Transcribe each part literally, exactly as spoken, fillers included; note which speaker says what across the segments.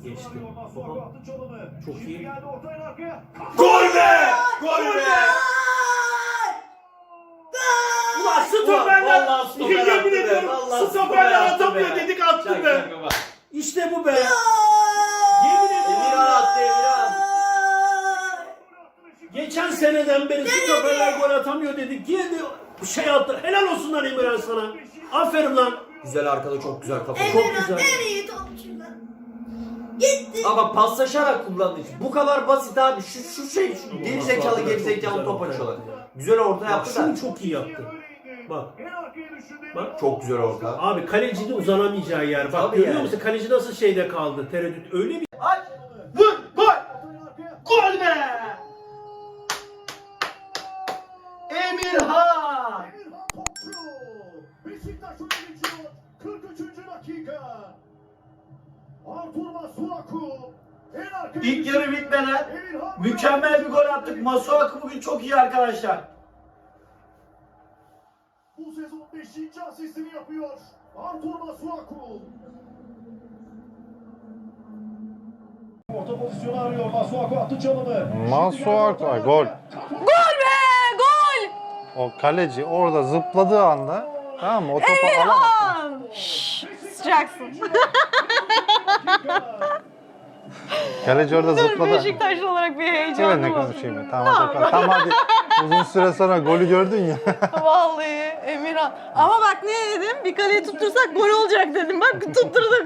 Speaker 1: Geçti. Baba. Çok iyi.
Speaker 2: Gol be! Gol be!
Speaker 1: Ulan stoperler!
Speaker 2: Vallahi stoper
Speaker 1: Yemin
Speaker 2: attı be,
Speaker 1: ediyorum
Speaker 2: vallahi
Speaker 1: stoperler
Speaker 2: stoper attı
Speaker 1: atamıyor
Speaker 2: be.
Speaker 1: dedik attı
Speaker 2: Çak,
Speaker 1: be.
Speaker 2: çak baba.
Speaker 1: İşte bu be. Yemin ediyorum.
Speaker 2: Emirhan attı Emirhan.
Speaker 1: Geçen seneden beri stoperler gol atamıyor dedik. Girdi şey attı. Helal olsun lan Emirhan sana. Aferin lan.
Speaker 2: Güzel arkada çok güzel kafa.
Speaker 1: Çok
Speaker 3: Emirhan
Speaker 1: güzel.
Speaker 3: en iyi topçu ben. Gitti.
Speaker 2: Ama paslaşarak kullandı. Bu kadar basit abi. Şu şu şey şu geri zekalı geri zekalı top açıyorlar. Güzel orta
Speaker 1: Bak
Speaker 2: yaptı da.
Speaker 1: şunu çok iyi yaptı. Bak. Bak.
Speaker 2: Çok güzel orta.
Speaker 1: Abi kalecinin uzanamayacağı yer. Bak
Speaker 2: Tabii
Speaker 1: görüyor
Speaker 2: yani.
Speaker 1: musun? Kaleci nasıl şeyde kaldı? Tereddüt. Öyle bir...
Speaker 2: Aç. Vur. Gol. Gol be. Emirhan.
Speaker 4: Beşiktaş öne geçiyor. kırk üçüncü dakika. Artur Masuaku. En arkaya
Speaker 5: İlk yarı bitmeden
Speaker 4: Emirhan
Speaker 5: mükemmel bir gol attık. Masuaku bugün çok iyi arkadaşlar.
Speaker 4: bu sezon beşinci asistini yapıyor. Artur Masuaku. Orta pozisyonu arıyor. Masuaku attı çalımı.
Speaker 6: Masuaku ay, gol.
Speaker 7: Gol be! Gol!
Speaker 6: O kaleci orada zıpladığı anda, tamam mı? O topu alamaz.
Speaker 7: Emirhan! Şşş, sıcaksın.
Speaker 6: Kaleci orada
Speaker 7: Dur,
Speaker 6: zıpladı.
Speaker 7: Beşiktaşlı olarak bir
Speaker 6: Evet,
Speaker 7: heyecanlı
Speaker 6: ne
Speaker 7: bu.
Speaker 6: konuşayım ben. Tamam, tamam. Tamam hadi. Uzun süre sonra golü gördün ya.
Speaker 7: Vallahi Emirhan. Ama bak ne dedim? Bir kaleyi tuttursak gol olacak dedim. Bak tutturduk.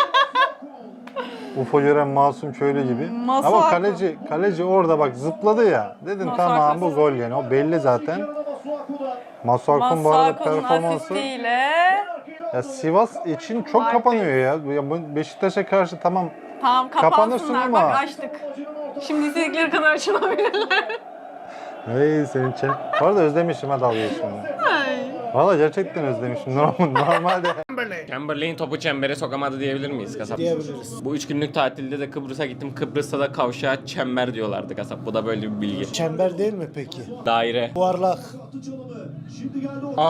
Speaker 6: Ufo gören masum köylü gibi.
Speaker 7: Masuaku.
Speaker 6: Ama kaleci kaleci orada bak zıpladı ya. Dedin
Speaker 7: Masuaku.
Speaker 6: tamam bu gol yani. O belli zaten. Masuaku'nun bu arada
Speaker 7: Masuaku'nun
Speaker 6: performansı
Speaker 7: asistiyle.
Speaker 6: ya Sivas için çok
Speaker 7: Vay be.
Speaker 6: kapanıyor ya. Ya bu Beşiktaş'a karşı tamam
Speaker 7: Tamam
Speaker 6: Kapanırsın
Speaker 7: kapansınlar.
Speaker 6: ama.
Speaker 7: Bak açtık. Şimdi istedikleri kadar açılabilirler.
Speaker 6: hey senin çen... Bu arada özlemişim ha dalga geçmeni.
Speaker 7: Ay.
Speaker 6: Valla gerçekten özlemişim. Normal, normalde.
Speaker 8: Chamberlain topu çembere sokamadı diyebilir miyiz kasap? Diyebiliriz. Bu üç günlük tatilde de Kıbrıs'a gittim. Kıbrıs'ta da kavşağa çember diyorlardı kasap. Bu da böyle bir bilgi.
Speaker 9: Çember değil mi peki?
Speaker 8: Daire.
Speaker 9: Yuvarlak.
Speaker 8: Aha!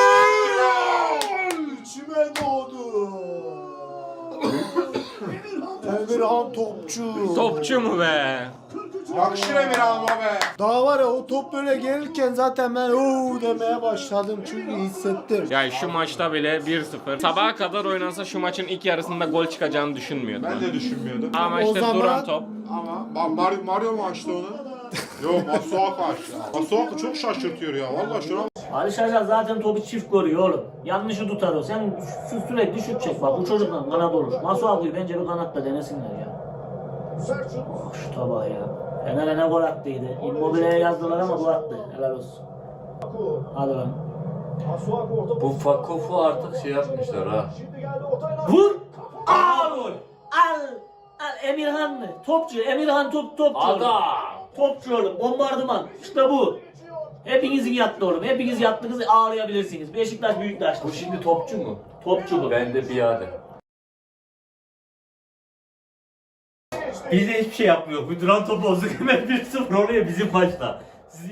Speaker 9: İçime doğdu. Emirhan topçu.
Speaker 8: Topçu mu be?
Speaker 9: Yakışır Emirhan be. Daha var ya o top böyle gelirken zaten ben ooo demeye başladım çünkü hissettim.
Speaker 8: Ya şu maçta bile bir sıfır. Sabaha kadar oynansa şu maçın ilk yarısında gol çıkacağını düşünmüyordum.
Speaker 10: Ben de düşünmüyordum.
Speaker 8: Ama
Speaker 9: O
Speaker 8: işte
Speaker 9: zaman-
Speaker 8: duran top.
Speaker 10: Ama bak Mario, Mario mu açtı onu? Yok Masuaku açtı. Masuaku çok şaşırtıyor ya. Vallahi şuna
Speaker 11: Ali Şaşar zaten topu çift görüyor oğlum. Yanlışı tutar o. Sen şu sürekli şut çek bak. Bu çocukla kanat olur. Masuaku'yu bence bir kanatla denesinler ya. Oh, şu tabağı ya. Fener'e ne gol attıydı. Immobile'ye yazdılar ama bu attı. Helal olsun. Hadi lan.
Speaker 2: Bu Fakofu artık şey yapmışlar ha.
Speaker 11: Vur! Al! Al! Al Emirhan mı? Topçu. Emirhan top topçu.
Speaker 2: Adam.
Speaker 11: Topçu oğlum. Bombardıman. İşte bu. Hepinizin yattı oğlum. Hepiniz yattınız ağlayabilirsiniz. Beşiktaş Büyüktaş.
Speaker 2: Bu şimdi topçu mu?
Speaker 11: Topçu bu.
Speaker 2: Ben de piyade.
Speaker 5: Biz de hiçbir şey yapmıyor. Bu duran top olsun hemen bir sıfır oluyor bizim maçta. Sizin...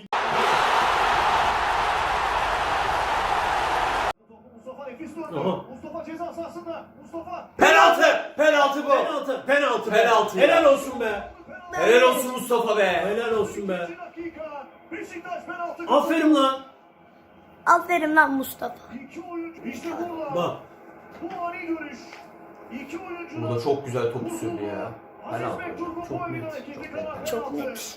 Speaker 4: Mustafa nefis döndü.
Speaker 1: Aha.
Speaker 4: Mustafa ceza sahasında. Mustafa.
Speaker 2: Penaltı! Penaltı bu.
Speaker 1: Penaltı. Penaltı. be.
Speaker 2: Penaltı ya.
Speaker 1: Helal olsun be.
Speaker 2: Helal olsun Mustafa be.
Speaker 1: Helal olsun be.
Speaker 4: İkinci dakika. Beşiktaş penaltı.
Speaker 1: Aferin lan.
Speaker 3: Aferin lan Mustafa.
Speaker 4: İki oyuncu. İşte burada.
Speaker 1: Bak.
Speaker 4: Bu ani görüş. İki oyuncu.
Speaker 2: Burada çok güzel top sürdü ya. Penaltı.
Speaker 1: Çok net.
Speaker 3: Çok net.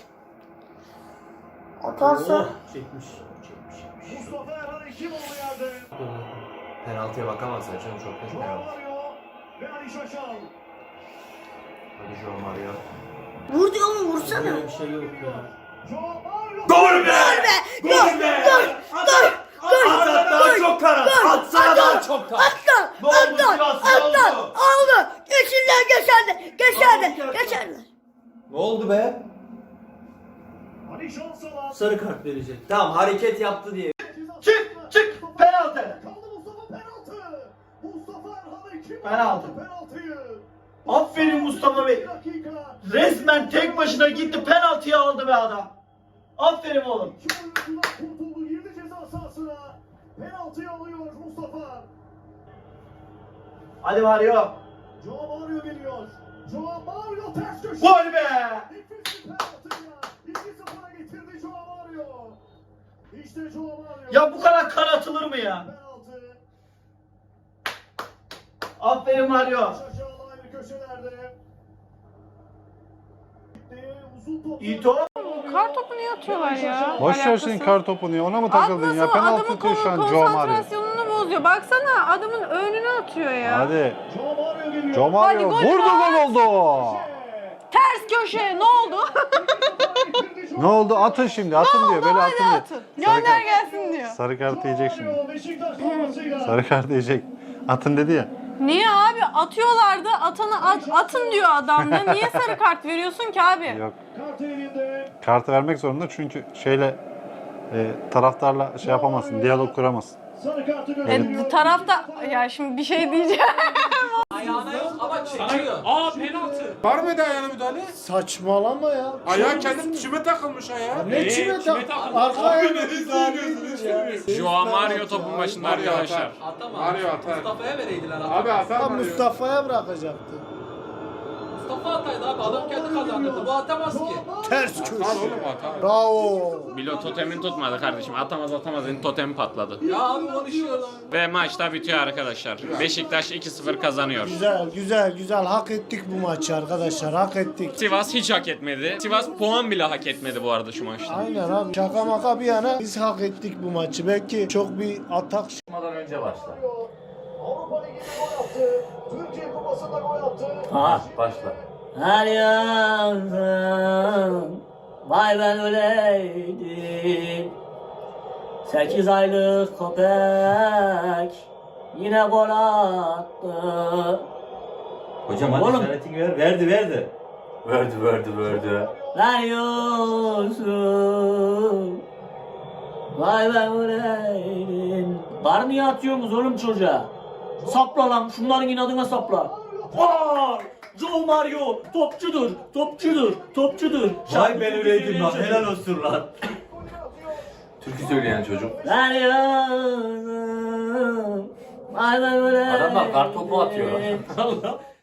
Speaker 3: Atarsa
Speaker 1: Oh, çekmiş. Çekmiş.
Speaker 4: Mustafa Erhan Hekimoğlu yerde.
Speaker 2: Penaltıya bakamazsın canım çok net
Speaker 4: Joao
Speaker 2: penaltı.
Speaker 4: Mario ve Ali Şaşal.
Speaker 2: Hadi Joao Mario.
Speaker 3: vur diyor mu vursana.
Speaker 1: Böyle bir şey yok ya.
Speaker 4: Joao Mario.
Speaker 2: Gol be!
Speaker 3: Gol be! Gol! Gol! Gol!
Speaker 2: Atsa daha çok karar. Atsana daha çok karar.
Speaker 3: Atlan!
Speaker 2: Ne oldu
Speaker 3: Atlan!
Speaker 2: Sivas? Ne
Speaker 3: Atlan!
Speaker 2: oldu?
Speaker 3: Aldı! Geçirler geçerler! Geçerler! Geçerler!
Speaker 2: Ne oldu be?
Speaker 4: Ali Şansalan.
Speaker 1: Sarı kart verecek.
Speaker 2: Tamam hareket yaptı diye.
Speaker 5: Çık çık penaltı.
Speaker 4: Kaldı Mustafa penaltı. Mustafa Erhan Hekimoğlu.
Speaker 5: Penaltı.
Speaker 4: Penaltıyı.
Speaker 5: Aferin Mustafa Bey.
Speaker 4: Dakika.
Speaker 5: Resmen tek başına gitti penaltıyı aldı be adam. Aferin oğlum.
Speaker 4: İki oyuncudan kurtuldu. Girdi ceza sahasına. Penaltıyı alıyor Mustafa.
Speaker 5: Hadi Mario.
Speaker 4: Joao Mario geliyor. Joao Mario ters köşe.
Speaker 2: Gol be!
Speaker 4: Nefis bir penaltıyla iki sıfıra getirdi Joao Mario. İşte Joao Mario.
Speaker 2: Ya bu kadar kar atılır mı ya?
Speaker 4: Penaltı.
Speaker 2: Aferin Mario.
Speaker 4: Aşağıda ayrı köşelerde. Uzun top.
Speaker 2: İyi top.
Speaker 7: Kar topu niye atıyorlar ya?
Speaker 6: Boş ver
Speaker 7: Alakası
Speaker 6: senin
Speaker 7: yok.
Speaker 6: kar topunu ya. Ona mı takıldın ya?
Speaker 7: Atmasın,
Speaker 6: Penaltı
Speaker 7: adamın
Speaker 6: atıyor şu an
Speaker 7: kon-
Speaker 6: Joe Mario.
Speaker 7: konsantrasyonunu bozuyor. Baksana adamın önüne atıyor ya.
Speaker 6: Hadi.
Speaker 4: Joao Mario geliyor.
Speaker 6: Joe Mario
Speaker 7: Hadi gol
Speaker 6: vurdu,
Speaker 7: at.
Speaker 6: gol oldu.
Speaker 7: Ters köşe ne oldu?
Speaker 6: Ne oldu? Atın şimdi. Atın diyor. Böyle
Speaker 7: Hadi
Speaker 6: atın diyor.
Speaker 7: atın. Gönder gelsin diyor.
Speaker 6: Sarı kart yiyecek şimdi.
Speaker 4: Beşiktaş formasıyla.
Speaker 6: Sarı kart yiyecek. Atın dedi ya.
Speaker 7: Niye abi? Atıyorlardı. Atanı at, atın diyor adam da. Niye sarı kart veriyorsun ki abi?
Speaker 6: Yok.
Speaker 4: Kartı elinde.
Speaker 6: Kartı vermek zorunda çünkü şeyle e, taraftarla şey yapamazsın. Diyalog kuramazsın.
Speaker 4: Sarı kartı
Speaker 7: E,
Speaker 4: gösteriyor.
Speaker 7: tarafta ya şimdi bir şey diyeceğim.
Speaker 5: Aa penaltı.
Speaker 10: Var mıydı ayağına müdahale?
Speaker 9: Saçmalama ya.
Speaker 10: Ayağı kendi çime takılmış ayağı.
Speaker 9: Ne
Speaker 5: Ee,
Speaker 9: çime
Speaker 5: kime
Speaker 9: tak?
Speaker 5: takıldı?
Speaker 9: Arka
Speaker 10: Abi
Speaker 9: ayağına
Speaker 10: ne
Speaker 9: müdahaledir ya.
Speaker 8: Joao Mario topun başında
Speaker 10: Mario
Speaker 8: arkadaşlar.
Speaker 10: atar. Mario atar. Abi atar
Speaker 9: Ha,
Speaker 10: Mario.
Speaker 9: Mustafa'ya bırakacaktı. Ters köşe.
Speaker 10: Atar oğlum atar.
Speaker 9: Bravo.
Speaker 8: Bilo totemin tutmadı kardeşim. Atamaz atamaz senin totem patladı. Ya abi konuşuyorlar. Ve maç da bitiyor arkadaşlar. Beşiktaş iki sıfır kazanıyor.
Speaker 9: Güzel güzel güzel hak ettik bu maçı arkadaşlar hak ettik.
Speaker 8: Sivas hiç hak etmedi. Sivas puan bile hak etmedi bu arada şu maçta.
Speaker 9: Aynen abi şaka maka bir yana biz hak ettik bu maçı. Belki çok bir atak
Speaker 2: önce başla.
Speaker 4: Avrupa Ligi'nde gol attı. Türkiye Kupası'nda gol attı.
Speaker 11: Aha.
Speaker 2: Başla.
Speaker 11: Her yandım, vay ben öleydim. Sekiz aylık köpek yine gol attı.
Speaker 5: Hocam hadi
Speaker 11: Oğlum.
Speaker 5: işaretini ver. Verdi verdi.
Speaker 2: Verdi verdi verdi.
Speaker 11: Veriyorsun, vay ben öleydim. Var niye atıyorsunuz oğlum çocuğa? Sapla lan, şunların inadına sapla.
Speaker 1: Aa! Joe Mario topçudur, topçudur, topçudur.
Speaker 5: Vay ben öyleydim lan. Helal olsun lan.
Speaker 2: Türkü söyleyen çocuk.
Speaker 11: Veriyorsun, vay ben öleydim.
Speaker 2: Adamlar kartopu atıyor.
Speaker 5: Allah.